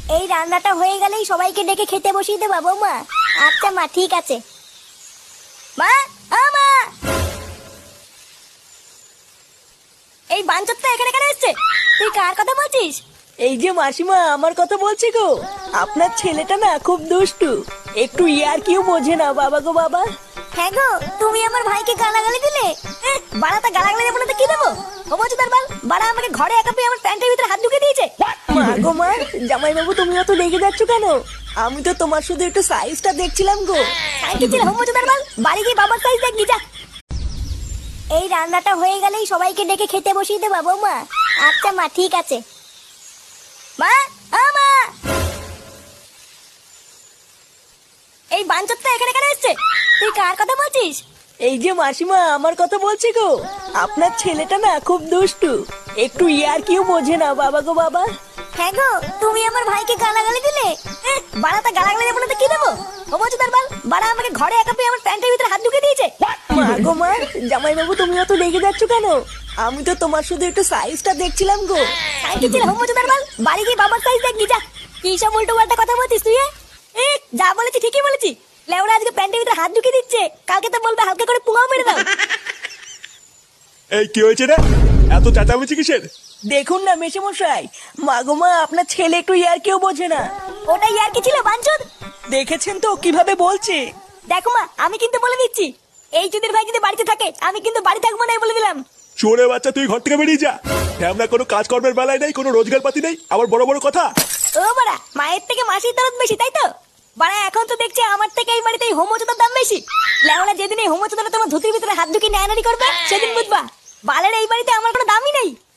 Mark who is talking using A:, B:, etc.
A: এই রান্নাটা হয়ে গেলেই সবাইকে ডেকে খেতে বসিয়ে দেবা বৌমা। আচ্ছা মা, ঠিক আছে। মা, ও মা, এই বাঞ্চতটা এখানে কেন এসছে? তুই কার কথা বলছিস?
B: এই যে মাসিমা, আমার কথা বলছি গো। আপনার ছেলেটা না খুব দুষ্টু, একটু ইয়ার কিউ বোঝে না বাবা গো বাবা।
A: হ্যাঁ গো, তুমি আমার ভাইকে গালাগালি দিলে। বাড়াতে গালাগালি দেবো না তো কি দেবো? ও বলছো তার বাল, বাড়া আমাকে ঘরে একা পেয়ে আমার প্যান্টের ভিতরে হাত ঢুকে দিয়েছে।
B: মা গো মা, জামাই বাবু তুমি অত রেগে যাচ্ছ কেন? আমি তো তোমার শুধু একটু সাইজটা দেখছিলাম গো।
A: কি ছিল হোমোচো তার বাল, বাড়ি গিয়ে বাবার সাইজ দেখ নিজা। এই রান্নাটা হয়ে গেলেই সবাইকে ডেকে খেতে বসিয়ে দেবা বৌমা। আচ্ছা মা, ঠিক আছে। মা, ও মা, এই বাঞ্চতটা এখানে কেন এসছে? তুই কার কথা বলছিস?
B: এই যে মাসিমা, আমার কথা বলছি গো। আপনার ছেলেটা না খুব দুষ্টু, একটু ইয়ার কিউ বোঝে না বাবা গো বাবা।
A: হ্যাঁ গো, তুমি আমার ভাইকে গালাগালি দিলে। বাড়াতে গালাগালি দেবো না তো কি দেবো? ও বলছো তার বাল, বাড়া আমাকে ঘরে একা পেয়ে আমার প্যান্টের ভিতরে হাত ঢুকে দিয়েছে।
B: মা গো মা, জামাই বাবু তুমি অত রেগে যাচ্ছ কেন? আমি তো তোমার শুধু একটু সাইজটা দেখছিলাম গো।
A: কি ছিল হোমোচো তার বাল, বাড়ি গিয়ে বাবার সাইজ দেখ নিজা। কি সব উল্টো পাল্টা কথা বলছিস তুই? যা বলেছি ঠিকই বলেছি। লেওরা আজকে প্যান্টের ভিতরে হাত ঢুকে দিচ্ছে, কালকে তো বলবে হালকা করে পুঙাও মেরে দাও।
C: এই কি হয়েছে রে? এত চেঁচামেচি কিসের?
B: দেখুন না মেশামশাই, মা গো মা, আপনার ছেলে একটু ইয়ার কেউ বোঝে না।
A: ওটাই আর কি ছিল বাঞ্চদ?
B: দেখেছেন তো কিভাবে বলছে।
A: দেখো মা, আমি কিন্তু বলে দিচ্ছি, এই চুদির ভাই যদি বাড়িতে থাকে আমি কিন্তু বাড়ি থাকবো না, বলে দিলাম।
C: চোরে বাচ্চা, তুই ঘর থেকে বেরিয়ে যা। আমরা কোনো কাজকর্মের বেলায় নেই, কোনো রোজগার পাতি নেই, আবার বড় বড় কথা।
A: ও বাড়া, মায়ের থেকে মাসির দরদ বেশি, তাই তো? বাড়া এখন তো দেখছি আমার থেকে এই বাড়িতে এই হোমোচোদার দাম বেশি। লেওলা যেদিন এই হোমোচোদারা তোমার ধুতির ভিতরে হাত ঢুকিয়ে নেয়ানারি করবে সেদিন বুঝবা বালের এই বাড়িতে আমার কোনো দামই নেই।